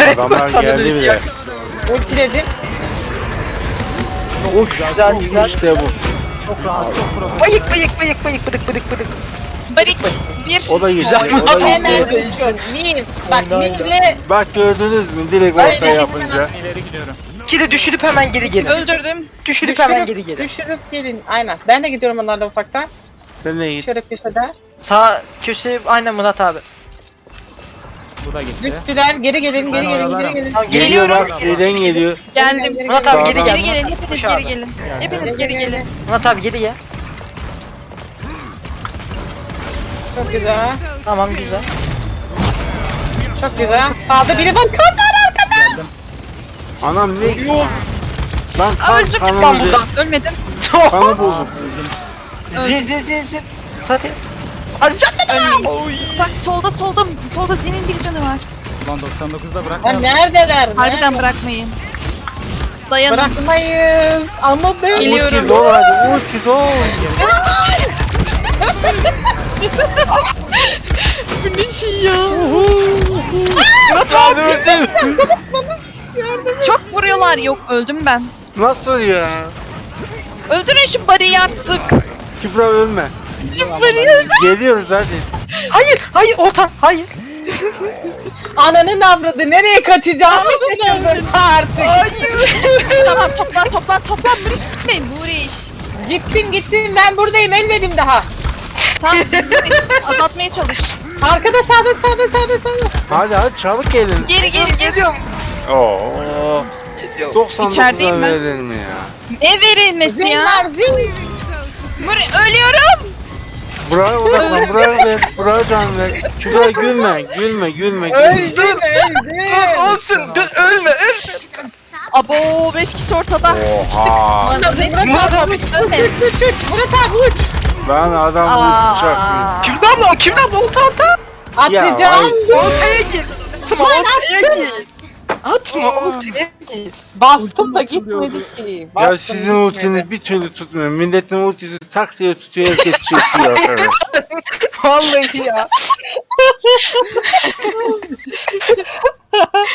Adamlar geldi bile. Ultiledim. Güzel işte bu. Çok rahat, çok profesyonel. Bayık bayık bayık bayık bıdık bıdık bıdık. Barik. Bir. O da gitti. Güzel. O da Hemen gitti. uçuyorum. Mim. Bak Mim'le Bak gördünüz mü? Direkt Hayır, orta yapınca. İleri gidiyorum. Kili düşürüp hemen geri gelin. Öldürdüm. Düşürüp hemen geri gelin. düşürüp gelin. Aynen. Ben de gidiyorum onlarla ufaktan. Sen ne git? Şöyle köşede. Sağ köşe aynen Murat abi. Bu da gitti. Düştüler. Geri gelin, geri gelin, geri gelin. Tamam Geliyor geliyorum. bak. Şeyden geliyor. Geldim. Murat abi geri Geri gel. gelin. Murat abi, Hepiniz koş abi. geri gelin. Hepiniz geri gelin. Murat abi geri gel. Çok güzel. Tamam güzel. Çok güzel. Sağda biri var. Kanlar arkada. Anam ne? Lan Öldüm kanı lan buradan. Ölmedim. Kanı buldum. Zin zin zin zin. Zaten. Az canlı. Bak solda solda. Solda Zin'in bir canı var. Ulan 99'da Ya bırakmayalım. neredeler? Harbiden bırakmayın. Dayanın. Bırakmayız. Ama ben... Geliyorum. Ulti dol hadi. Ulti dol. Bu ne şey ya? Çok vuruyorlar. Yok öldüm ben. Nasıl ya? Öldürün şu bariyi artık. Kübra ölme. Bariyi Geliyoruz hadi. Hayır hayır Oltan hayır. Ananın avradı. Nereye kaçacağımı şaşırdım artık. Tamam toplan. Muriş gitmeyin. Muriş. Gitsin. Ben buradayım. Ölmedim daha. Tamam Muriş. Azaltmaya çalış. Arkada sağda. Hadi çabuk gelin. Geri. Geliyorum. Oo. 99'a İçerideyim ben. verilir mi ya? Ne verilmesi ya? Zin var zin. Ölüyorum. Buraya odaklan, buraya ver, buraya can ver. Kübra gülme. Öldü. Dur olsun dur ölme ölme. Abo 5 kişi ortada. Oha. Murat abi. Murat abi uç. Ben adam vuracak. Kimden abla kimden abla Oltan Oltan. Atacağım. ay. Oltaya gir. Atma oltaya gir. Atma oltaya gir. Bastım da gitmedi ki. Ya Bastım, sizin gitmedi. ultiniz bir türlü tutmuyor. Milletin ultisi tak diye tutuyor, herkes çekiyor. Evet. Vallahi ya.